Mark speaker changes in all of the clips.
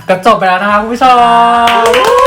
Speaker 1: ก็จบไปแล้วนะคะคุณผู้ชม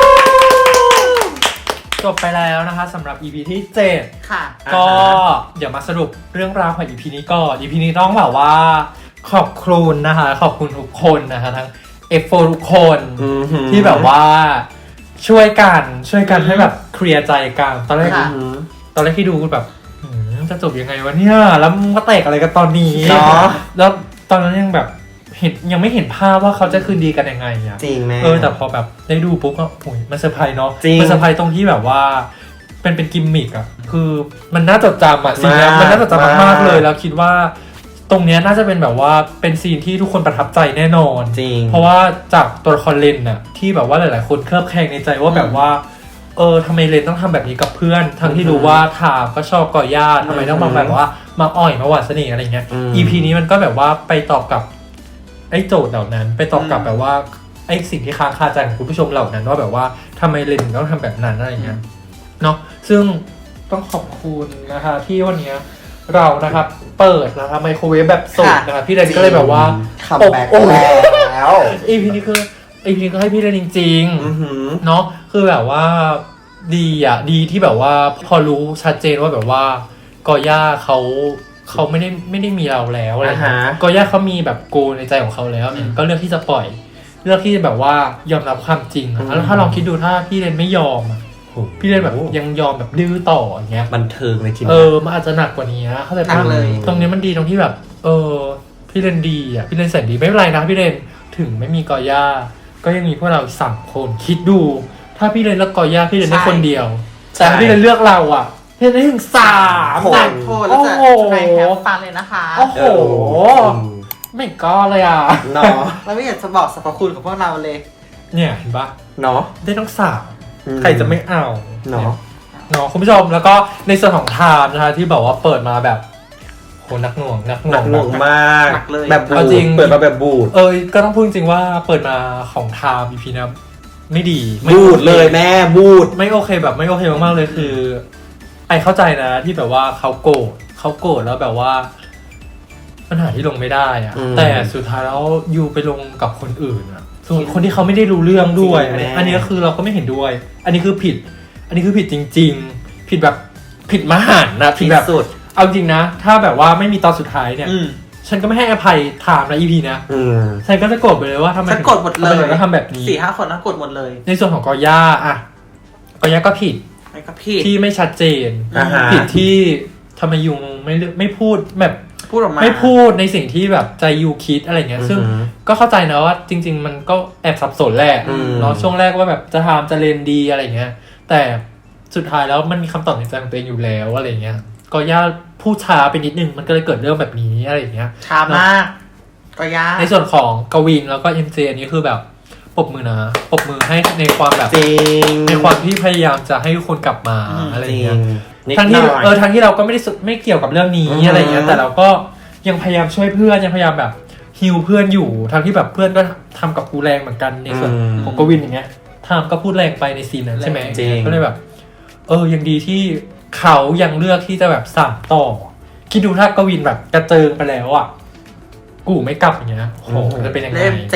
Speaker 1: จบไปแล้วนะคะสำหรับ EP ที่ 7
Speaker 2: ค่ะ
Speaker 1: ก็เดี๋ยวมาสรุปเรื่องราวของ EP นี้ก่อน EP นี้ต้องแบบว่าขอบคุณนะคะขอบคุณทุกคนนะคะทั้ง F4 ทุกคนที่แบบว่าช่วยกันให้แบบเคลียร์ใจกันตอนแรกที่ดูแบบจะจบยังไงวะเนี่ยแล้วมาแตกอะไรกันตอนนี้เนาะแล้วตอนนั้นยังแบบยังไม่เห็นภาพว่าเขาจะคืนดีกันยังไงอ่ะ
Speaker 3: จริงแม่
Speaker 1: แต่พอแบบได้ดูปุ๊บก็โอ้ยมันเซอร์ไพรส์เนาะมันเซอร์ไพรส์ตรงที่แบบว่าเป็นกิมมิกอ่ะคือมันน่าจดจำอ่ะซีนนี้มันน่าจดจำมากๆเลยแล้วคิดว่าตรงเนี้ยน่าจะเป็นแบบว่าเป็นซีนที่ทุกคนประทับใจแน่นอน
Speaker 3: จริง
Speaker 1: เพราะว่าจากตัวละครเลนน่ะที่แบบว่าหลายๆคนเคลือบแคลงในใจว่าแบบว่าทำไมเลนต้องทำแบบนี้กับเพื่อนทั้งที่รู้ว่าถามก็ชอบก่อย่าทำไมต้องมาแบบว่ามาอ่อยมาหวานเสน่ห์อะไรเงี้ย EP นี้มันก็แบบว่าไปตอบกับไอ้โจทย์เหล่านั้นไปตอบกับแบบว่าไอ้สิ่งที่ค้างคาใจของคุณผู้ชมเหล่านั้นว่าแบบว่าทำไมเลนต้องทำแบบนั้นอะไรเงี้ยเนาะซึ่งต้องขอบคุณนะคะที่วันนี้เรานะครับเปิดนะครับไมโครเวฟแบบสดนะครับพี่เลนก็เลยแบบว่า
Speaker 3: คัมแบ็คแล้ว
Speaker 1: EP นี้คือEP นี้ก็ให้พี่เลนจริงๆเนาะคือแบบว่าดีที่แบบว่าพอรู้ชัดเจนว่าแบบว่ากอย่าเขาไม่ได้มีเราแล้วอะไรเงี้ยกอย่าเขามีแบบโกในใจของเขาแล้วเนี่ยก็เลือกที่จะปล่อยเลือกที่จะแบบว่ายอมรับความจริงแล้วถ้าลองคิดดูถ้าพี่เลนไม่ยอมพี่เลนแบบยังยอมแบบดื้อต่ออย่างเงี้ย
Speaker 3: บันเทิงในที
Speaker 1: มันอาจจะหนักกว่านี้เข้าใจป่ะตรงนี้มันดีตรงที่แบบพี่เลนดีอ่ะพี่เลนแสนดีไม่เป็นไรนะพี่เลนถึงไม่มีกอย่าก็ยังมีพวกเรา3 คนคิดดูถ้าพี่เลนเลือกกอย่าพี่เลนได้คนเดียวแต่พี่เลนเลือกเราอ่ะพี่เลนได้ถึง3
Speaker 2: คนแล้วจะใครแฮปฟันเลยนะคะ
Speaker 1: โอ้โหไม่ก็เลยอ่ะ
Speaker 3: เนาะ
Speaker 2: เราไม่อยากจะบอกสรรพคุณของพวกเราเลย
Speaker 1: เนี่ยเห็นปะ
Speaker 3: เนาะ
Speaker 1: ได้ทั้ง3ใครจะไม่เอา
Speaker 3: เนาะ
Speaker 1: คุณผู้ชมแล้วก็ในส่วนของไทม์นะคะที่บอกว่าเปิดมาแบบโหหนักหน่วง
Speaker 3: มากแบบ
Speaker 1: จริง
Speaker 3: เปิดมาแบบบูด
Speaker 1: ก็ต้องพูดจริงว่าเปิดมาของไทม์ EP นะไม่ดี
Speaker 3: บูดเลยแม่บูด
Speaker 1: ไม่โอเคแบบไม่โอเคมากๆเลยคือไอเข้าใจนะที่แบบว่าเขาโกรธแล้วแบบว่าปัญหาที่ลงไม่ได้อะแต่สุดท้ายแล้วยูไปลงกับคนอื่นอะส่วนคนที่เขาไม่ได้รู้เรื่องด้วยอันนี้ก็คือเราก็ไม่เห็นด้วยอันนี้คือผิดจริงๆผิดแบบผิดมหันต์นะผิดแบบสุดเอาจริงนะถ้าแบบว่าไม่มีตอนสุดท้ายเนี่ยฉันก็ไม่ให้อภัยถามนะ EP นะฉันก็จะโกรธไปเลยว่าทำไม
Speaker 2: ฉันโกรธหมดเลย
Speaker 1: ก็ทำแบบนี้
Speaker 2: 4-5 คนนั้นโกรธหมดเลย
Speaker 1: ในส่วนของกอย่าก็ผิดที่ไม่ชัดเจนผิดที่ทำไมยุงไม่พูดแบบ
Speaker 2: พูดออกมา
Speaker 1: ไม่พูดในสิ่งที่แบบใจยูคิดอะไรเงี้ยซึ่งก็เข้าใจนะว่าจริงๆมันก็แอบสับสนแหละเนาะช่วงแรกว่าแบบจะทำจะเรียนดีอะไรเงี้ยแต่สุดท้ายแล้วมันมีคำตอบในใจของตัวเองอยู่แล้วอะไรเงี้ยก็ย่าพูดช้าไปนิดนึงมันก็เลยเกิดเรื่องแบบนี้อะไรเงี้ย
Speaker 2: ช้ามากก็ย่า
Speaker 1: ในส่วนของกวินแล้วก็ MJ อันนี้คือแบบปรบมือให้ในความแบบในความที่พยายามจะให้ทุกคนกลับมาอะไรเงี้ยทั้งที่เราก็ไม่เกี่ยวกับเรื่องนี้อะไรเงี้ยแต่เราก็ยังพยายามช่วยเพื่อนยังพยายามแบบฮิวเพื่อนอยู่ทั้งที่แบบเพื่อนก็ทำกับกูแรงเหมือนกันในส่วนของกวินอย่างเงี้ยทำก็พูดแรงไปในซีนนั้นใช่ไหมก็เลยแบบยังดีที่เขายังเลือกที่จะแบบสานต่อคิดดูถ้ากวินแบบกระเจิงไปแล้วอ่ะกูไม่กลับอย่างเงี้ยโหจะเป็นยังไง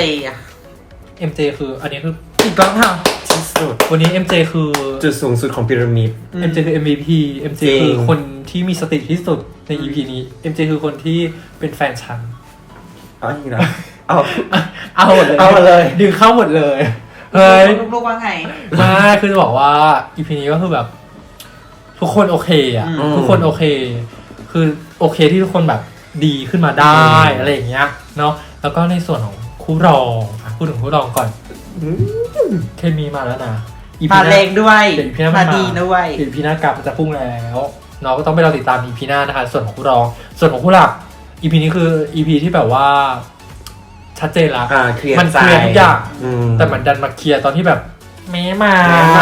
Speaker 1: MJ คืออันนี้คืออีกแล้วค่ะ
Speaker 3: ที่สุด
Speaker 1: วันนี้ MJ คือ
Speaker 3: จุดสูงสุดของพีระมิด
Speaker 1: MJ คือ MVP MJ คือคนที่มีสติที่สุดใน EP นี้ MJ คือคนที่เป็นแฟนฉัน
Speaker 3: อีกแล้ว
Speaker 1: เอาหมดเลยดึงเข้าหมดเลยเฮ้ย
Speaker 2: ลูกว่าไง
Speaker 1: มาคือจะบอกว่า EP นี้ก็คือแบบทุกคนโอเคอ่ะทุกคนโอเคคือโอเคที่ทุกคนแบบดีขึ้นมาได้อะไรอย่างเงี้ยเนาะแล้วก็ในส่วนของคู่รองพูดถึงคู่รองก่อนเคมีมาแล้วนะ
Speaker 2: มาแรงด้วยมาดีด้วย
Speaker 1: EP หน้ากลับมันจะพุ่งแล้วเนาะก็ต้องไปรอติดตาม EP หน้านะคะส่วนของคู่รองส่วนของคู่หลัก EP นี้คือ EP ที่แบบว่าชัดเจนละมันเคลียร์ทุกอย่างแต่มันดันมาเคลียร์ตอนที่แบบแม่มา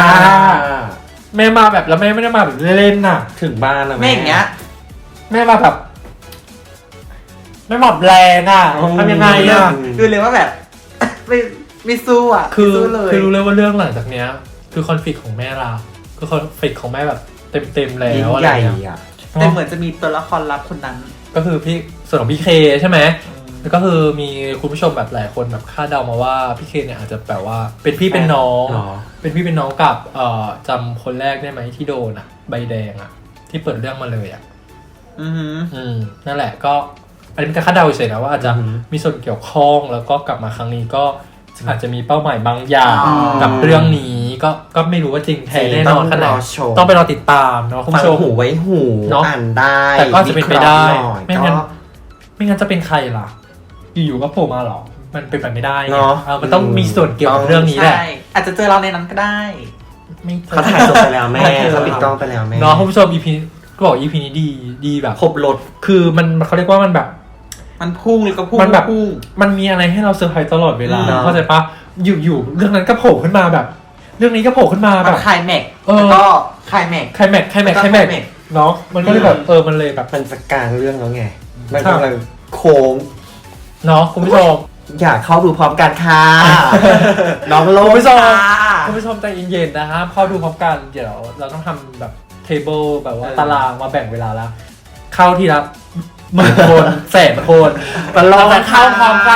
Speaker 1: แบบแล้วแม่ไม่ได้มาแบบเล่นๆน่ะ
Speaker 3: ถึงบ้านแล้ว
Speaker 2: แม่อย่างเงี้ย
Speaker 1: แม่มาแบบไม่หมอบแรงอ่ะทำยังไงอ่ะ
Speaker 2: ดูเลยว่าแบบไม่สู้อ่ะ
Speaker 1: คือรู้เลยว่าเรื่องหลังจากเนี้ยคือคอนฟ lict ของแม่เราคือคอนฟ lict ของแม่แบบเต็มแล้วอะไรอย่างเงี้ย
Speaker 2: แต่เหมือนจะมีตัวละครลับคนนั้น
Speaker 1: ก็คือพี่ส่วนของพี่เคใช่ไหมแล้วก็คือมีคุณผู้ชมแบบหลายคนแบบคาดเดามาว่าพี่เคนเนี่ยอาจจะแบบว่าเป็นพี่เป็นน้อง เป็นพี่เป็นน้องกับจำคนแรกได้ไหมที่โดนใบแดงที่เปิดเรื่องมาเลยนั่นแหละก็อันนี้เป็นการคาดเดาเฉยๆนะว่าอาจจะมีส่วนเกี่ยวข้องแล้วก็กลับมาครั้งนี้ก็อาจจะมีเป้าหมายบางอย่างกับเรื่องนี้ก็ไม่รู้ว่าจริงแท้แน่นอนขนาดต้องไปรอติดตามเนาะคุณผู้ชม
Speaker 3: หูไว้หูอ่านได้
Speaker 1: แต่ก็จะเป็นไปได้ไม่งั้นจะเป็นใครล่ะอยู่ๆก็โผล่มาหรอมันเป็นไปไม่ได้เนาะมันต้องมีส่วนเกี่ยวกับเรื่องนี้แหละ
Speaker 2: อาจจะเจอเราในนั้นก็ได้
Speaker 3: เขาถ่ายจบไปแล้วแม่เขาปิดกล้องไปแล้วแม่
Speaker 1: เนาะคุณผู้ชม EP ก็บอก EP นี้ดีแบบ
Speaker 3: ครบรถ
Speaker 1: คือมันเขาเรียกว่ามันแบบ
Speaker 2: มันพุ่งเลยก็พุ่ง
Speaker 1: มันแบบมันมีอะไรให้เราเซอร์ไพรส์ตลอดเวลาเข้าใจปะอยู่เรื่องนั้นก็โผล่ขึ้นมาแบบเรื่องนี้ก็โผล่ขึ้นมาแบบ
Speaker 2: ไคลแม็กแล้วก็ไคลแม็ก
Speaker 1: เนาะมันก็เลยแบบมันเลยแบบ
Speaker 3: มันจะกลางเรื่องแล้วไงมันกำลังโค้ง
Speaker 1: เนาะคุณผู้ชม
Speaker 3: อยากเข้าดูพร้อมกันค่ะน้องโล
Speaker 1: คุณผู้ชมใจเย็นๆนะฮะเข้าดูพร้อมกันเดี๋ยวเราต้องทำแบบเทเบิลแบบว่าตารางมาแบ่งเวลาแล้วเข้าทีละ10,000 คน100,000 คน
Speaker 3: เรา
Speaker 1: เข้าพร้อมกัน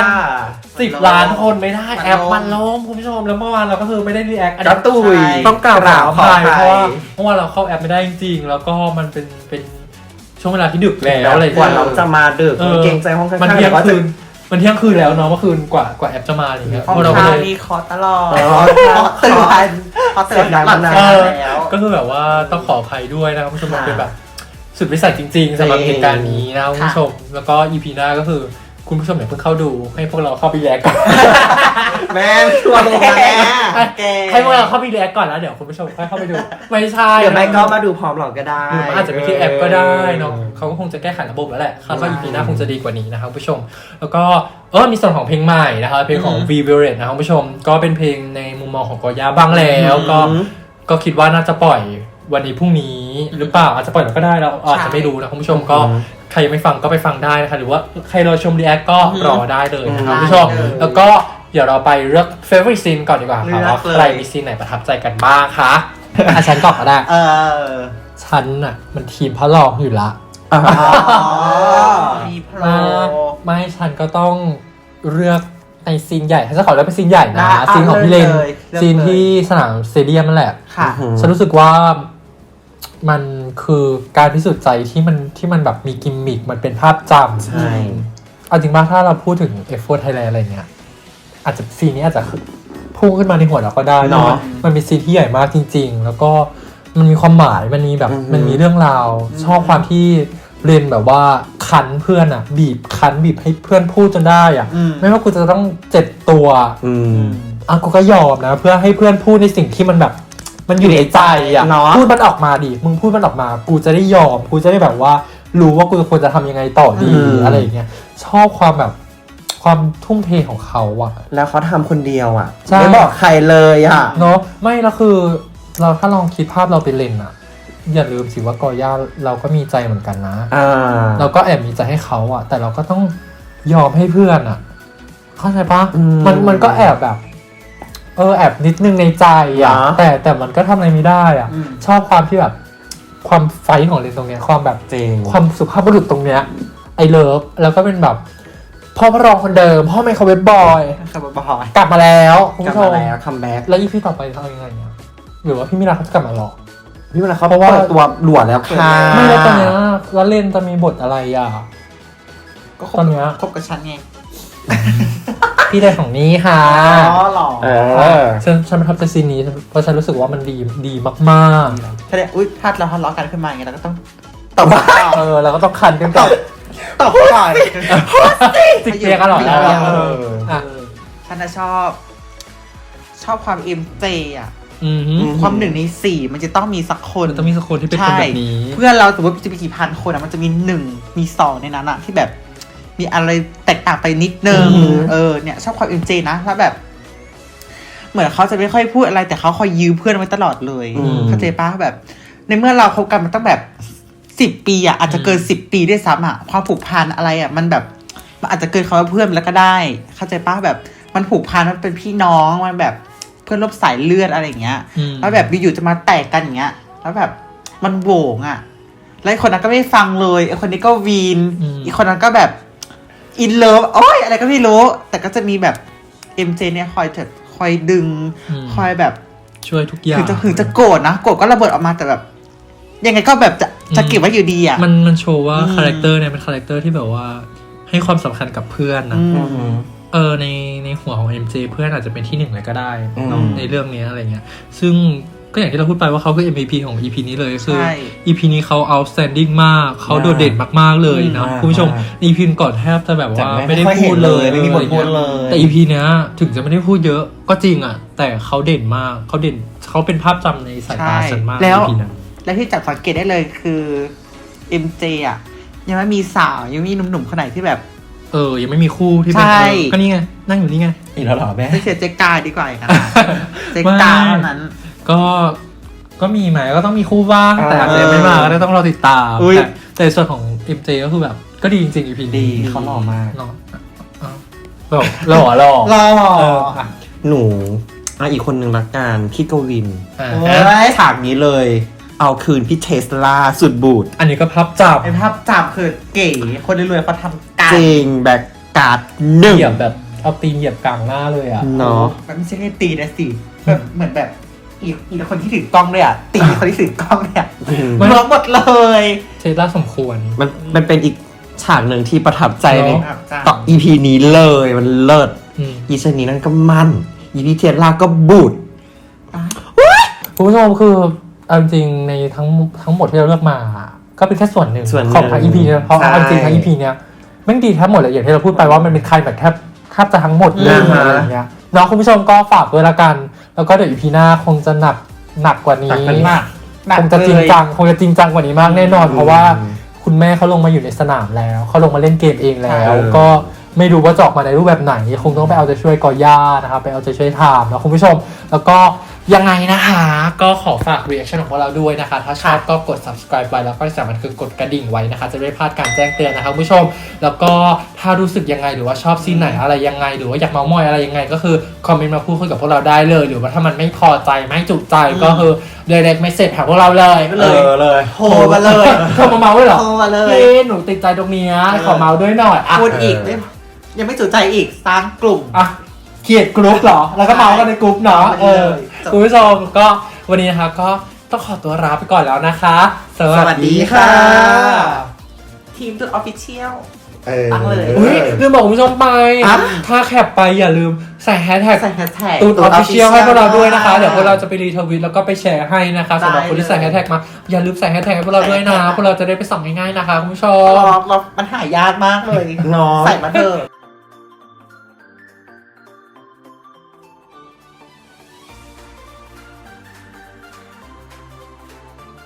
Speaker 1: 10 ล้านคนไม่ได้แอปมันล้มคุณผู้ชมแล้วเมื่อวานเราก็คือไม่ได้รีแอคอันนี้ต้องกล่าวขออภัยเพราะว่าเมื่อวานเราเข้าแอปไม่ได้จริงๆแล้วก็มันเป็นช่วงเวลาที่ดึกแล้วอะไร
Speaker 3: กว่าเราจะมาดึกเกรงใจห้องข้างๆ
Speaker 1: มันเที่ยงคืนแล้วเนาะเมื่อคืนกว่าแอปจะมาอย่างเงี้ย
Speaker 2: พวกเราก็เลยมีคอตลอดคอเสร็จ
Speaker 1: แล้วก็คือแบบว่าต้องขออภัยด้วยนะครับคุณผู้ชมมันเป็นแบบสุดวิสัยจริงๆสำหรับเหตุการณ์นี้นะคุณผู้ชมแล้วก็ EP หน้าก็คือคุณผู้ชมอย่าเพิ่งเข้าดูให้พวกเราเข้าไปแลกก่อน
Speaker 3: แม่ชัวร์ลงมา
Speaker 1: ให้พวกเราเข้าไปแลกก่อนแล้วเดี๋ยวคุณผู้ชมค่อยเข้าไปดูไม่ใช่
Speaker 3: เดี๋ยวแม่ก็มาดูพร้อมเราก็ได้
Speaker 1: หรืออาจจะไปที่แอปก็ได้เนาะเขาก็คงจะแก้ไขระบบแล้วแหละคาดว่า EP หน้าคงจะดีกว่านี้นะครับคุณผู้ชมแล้วก็มีส่วนของเพลงใหม่นะครับเพลงของ V Violet นะครับคุณผู้ชมก็เป็นเพลงในมุมมองของกอย่าบ้างแล้วก็คิดว่าน่าจะปล่อยวันนี้พรุ่งนี้หรือเปล่าอาจจะปล่อยแล้วก็ได้เราอาจจะไม่รู้นะคุณผู้ชมก็ใครยังไม่ฟังก็ไปฟังได้นะคะหรือว่าใครรอชมรีแอคก็รอได้เลยนะครับคุณผู้ชมแล้วก็เดี๋ยวเราไปเลือก favorite scene ก่อนดีกว่าค่ะว่าใครมีซีนไหนประทับใจกันบ้างคะฉันก่อนก็ได้ฉันน่ะมันทีมพระรองอยู่ละ
Speaker 2: มีพระ
Speaker 1: ไม่ฉันก็ต้องเลือกในซีนใหญ่ฉันจะขอเลือกเป็นซีนใหญ่นะซีนของพี่เลนซีนที่สนามสเตเดียมนั่นแหละฉันรู้สึกว่ามันคือการพิสูจน์ใจที่มันแบบมีกิมมิคมันเป็นภาพจำ
Speaker 3: ใช่
Speaker 1: เอาจริงป่ะถ้าเราพูดถึง F4 Thailand อะไรเงี้ยอาจจะซีนนี้อาจจะพุ่งขึ้นมาในหัวเราก็ได้เนาะมันเป็นซีนที่ใหญ่มากจริงๆแล้วก็มันมีความหมายมันมีแบบมันมีเรื่องราวชอบความที่เรนแบบว่าคันเพื่อนบีบให้เพื่อนพูดจนได้ไม่ว่ากูจะต้องเจ็บตัวกูก็ยอมนะเพื่อให้เพื่อนพูดในสิ่งที่มันแบบมันอยู่ในใจพูดมันออกมาดิมึงพูดมันออกมากูจะได้ยอมกูจะได้แบบว่ารู้ว่ากูควรจะทำยังไงต่อดีอะไรอย่างเงี้ยชอบความแบบความทุ่มเทของเขา
Speaker 3: แล้วเขาทำคนเดียวไม่บอกใครเลย
Speaker 1: เนาะไม่แล้วคือเราถ้าลองคิดภาพเราเป็นเลนอย่าลืมสิว่ากอย่าเราก็มีใจเหมือนกันนะเราก็แอบมีใจให้เขาแต่เราก็ต้องยอมให้เพื่อนเข้าใจปะมันก็แอบแบบแอบนิดนึงในใจแต่มันก็ทำอะไรไม่ได้ชอบความที่แบบความไฟของเลนตรงเนี้ยความแบบความสุภาพบุรุษตรงเนี้ยไอเลิฟแล้วก็เป็นแบบพ่อพระรองคนเดิมพ่อไมโครเวฟบอยกลับมาแล้วคุณผู้ชม
Speaker 3: คัมแบ็ก
Speaker 1: แล้วพี่ต่อไปเขายังไงเนี่ยหรือว่าพี่มิราเขาจะกลับมาหรอ
Speaker 3: พี่มิราเขาเพราะว่าตัวหลวดแล้วค่ะ
Speaker 1: ไม่แล้วตอนเนี้ยแล้วเลนจะมีบทอะไร
Speaker 2: ก็ตอนเนี้ยคบกับฉันไง
Speaker 1: พี่ได้ของนี้ค่ะ
Speaker 2: หรอ
Speaker 1: ฉันประทับใจซีนนี้เพราะฉันรู้สึกว่ามันดีมาก
Speaker 2: ๆถ้าเนี่ยถ้าเราทะเลาะกันขึ้นมาอย่างเงี้ยเราก็ต้อง
Speaker 1: ตบเราก็ต้องคันกันก่อน
Speaker 2: ตบก่อน
Speaker 1: จิกเปียกันหรอ
Speaker 2: ฉันชอบความเอ็มเจความ1 ใน 4มันจะต้องมีสักคน
Speaker 1: ต้องมีสักคนที่เป็นคนแบบนี้
Speaker 2: เพื่อนเราสมมติจะมีกี่พันคนมันจะมี1 มี 2ในนั้นที่แบบมีอะไรแตกต่างไปนิดนึงเนี่ยชอบความ MJ นะแล้วแบบเหมือนเขาจะไม่ค่อยพูดอะไรแต่เขาคอยยื้อเพื่อนไว้ตลอดเลยเข้าใจปะแบบในเมื่อเราคบกันมันต้องแบบ10 ปีอาจจะเกิน10 ปีด้วยซ้ำความผูกพันอะไรมันแบบมันอาจจะเกินคำว่าเพื่อนแล้วก็ได้เข้าใจปะแบบมันผูกพันมันเป็นพี่น้องมันแบบเพื่อนร่วมสายเลือดอะไรอย่างเงี้ยแล้วแบบอยู่ๆจะมาแตกกันอย่างเงี้ยแล้วแบบมันโหวงแล้วคนนั้นก็ไม่ฟังเลยไอ้คนนี้ก็วีนอีกคนนั้นก็แบบอินเลิฟโอ้ยอะไรก็ไม่รู้ แต่ก็จะมีแบบ MJ เนี่ยคอยดึง คอยแบบ
Speaker 1: ช่วยทุกอย่าง
Speaker 2: ถึงจะโกรธนะโกรธก็ระเบิดออกมาแต่แบบ ยังไงก็แบบจะเก็บไว้อยู่ดีอ่ะ
Speaker 1: มันโชว์ว่าคาแรคเตอร์เนี่ยเป็นคาแรคเตอร์ที่แบบว่าให้ความสำคัญกับเพื่อนนะในหัวของ MJ เพื่อนอาจจะเป็นที่หนึ่งเลยก็ได้ในเรื่องนี้อะไรเงี้ยซึ่งก็อย่างที่เราพูดไปว่าเขาคือ MVP ของ EP นี้เลยคือ EP นี้เขา outstanding มากเขาโดดเด่นมากๆเลยนะคุณผู้ชม EP ก่อนแทบจะแบบว่าไม่ได้พูดเลย
Speaker 3: ไม่มีบทพูดเลย
Speaker 1: แต่ EP เนี้ยถึงจะไม่ได้พูดเยอะก็จริงอ่ะแต่เขาเด่นมากเขาเป็นภาพจำในสายตาฉันมาก
Speaker 2: แล้ว
Speaker 1: EP นั้น
Speaker 2: และที่จับสังเกตได้เลยคือ MJ อ่ะยังไม่มีสาวยังไม่มีหนุ่มๆคนไหนที่แบบ
Speaker 1: ยังไม่มีคู่ที่เป็น
Speaker 2: ใช่
Speaker 1: ก็นี่ไงนั่งอยู่นี่ไง
Speaker 3: อีกแล้วเหรอแม่
Speaker 2: ไม่เชียร์เจ๊กาดีกว่าอย่างนั้นเจ๊กาเท่านั้น
Speaker 1: ก็มีไหมก็ต้องมีคู่บ้างแต่อาจจะยังไม่มาก็ต้องรอติดตาม
Speaker 2: อุ๊ย
Speaker 1: แต่ส่วนของ MJ ก็คือแบบก็ดีจริงๆ EP
Speaker 3: ดี
Speaker 1: นี้
Speaker 3: เขาหล่อมาก
Speaker 1: เนาะหล่อ
Speaker 2: รอ
Speaker 3: หนูอีกคนหนึ่งละกันพี่กวิน
Speaker 1: อ่ะ
Speaker 2: โอ้ย
Speaker 3: ฉากนี้เลย เอาคืนพี่เทสลาสุดบูด
Speaker 1: อันนี้ก็พับจับ
Speaker 2: เป็นภาพจับคือเก๋คนรวยๆเขาทำกัน
Speaker 3: จริงแบกการ์ดหนึ่ง
Speaker 1: เหยียบแบบเอาตีนเหยียบกลางหน้าเลยอ่ะ
Speaker 3: เนาะ
Speaker 2: มันไม่ใช่แค่ตีนะสิแบบเหมือนแบบอีกคนที่ถือกล้องด้วยอ่ะตีคนที่ถือกล้องเนี่ย
Speaker 1: มัน
Speaker 2: ร้องหมดเลย
Speaker 1: เทสลาสมควร
Speaker 3: มันเป็นอีกฉากหนึ่งที่ประทับใจใน
Speaker 1: เนาะ
Speaker 3: ต่อ EP นี้เลยมันเลิศ
Speaker 1: อืม
Speaker 3: อีชนีนั่นก็มั่นอีพีเทสลาก็บูด
Speaker 1: คุณผู้ชมคือเอาจริงๆในทั้งหมดที่เราเลือกมา ก็เป็นแค่ส่วนหนึ่งของทั้ง EP เนี่ยเพราะเอาจริงทั้ง EP เนี่ยแม่งดีแทบหมดเลยอย่างที่เราพูดไปว่ามันเป็นใครแบบแทบจะทั้งหมดเลยอะไรอย่างเงี้ยน้องคุณผู้ชมก็ฝากด้วยละกัน แล้วก็เดี๋ยว EP หน้าคงจะหนักกว่านี้ คงจะจริงจังกว่านี้มากแน่นอน เพราะว่าคุณแม่เขาลงมาอยู่ในสนามแล้วเขาลงมาเล่นเกมเองแล้ว ก็ไม่รู้ว่าจะออกมาในรูปแบบไหนคงต้องไปเอาใจช่วยกอย่านะครับไปเอาใจช่วยถามนะคุณผู้ชมแล้วก็ยังไงนะคะก็ขอฝาก reaction ของพวกเราด้วยนะคะถ้าชอบก็กด subscribe ไว้แล้วก็ที่สำคัญคือกดกระดิ่งไว้นะคะจะไม่พลาดการแจ้งเตือนนะคะคุณผู้ชมแล้วก็ถ้ารู้สึกยังไงหรือว่าชอบซีนไหนอะไรยังไงหรือว่าอยากเมามอยอะไรยังไงก็คือคอมเมนต์มาพูดคุยกับพวกเราได้เลยหรือว่าถ้ามันไม่พอใจไม่จุใจก็คือ direct message หาพวกเราเลยเลย
Speaker 2: โทรมาเลย
Speaker 1: โทรมาเมาด้วยเหรอ
Speaker 2: โทรมาเลย
Speaker 1: พี่หนูติดใจตรงเนี้ยขอเมาด้วยหน่อยอ่ะ
Speaker 2: พูดอีกยังไม่จุใจอีกสร้างกลุ่ม
Speaker 1: อ่ะเขียดกรุ๊ปเหรอแล้วก็เมากันในกรุ๊ปเนาะ
Speaker 2: เออ
Speaker 1: คุณผู้ชมก็วันนี้นะคะก็ต้องขอตัวลาไปก่อนแล้วนะคะ
Speaker 2: สวัสดีค่ะ ทีมจุดออฟฟิเชียล ตั้งเลย
Speaker 1: อุ้ยลืมบอกคุณผู้ชมไป
Speaker 2: อ่ะ
Speaker 1: ถ้าแคปไปอย่าลืมใส่แฮชแท็ก
Speaker 2: ใส่แฮชแท็ก
Speaker 1: ตูดออฟฟิเชียลให้พวกเราด้วยนะคะ
Speaker 2: ค่ะ
Speaker 1: เดี๋ยวพวกเราจะไปรีทวิตแล้วก็ไปแชร์ให้นะคะสำหรับคนที่ใส่แฮชแท็กมาอย่าลืมใส่แฮชแท็กให้พวกเราด้วยนะพวกเราจะได้ไปส่องง่ายๆนะคะคุณผู้ชม
Speaker 2: เรามันหายากมากเลย
Speaker 3: เนาะ
Speaker 2: ใส่มาเถอะ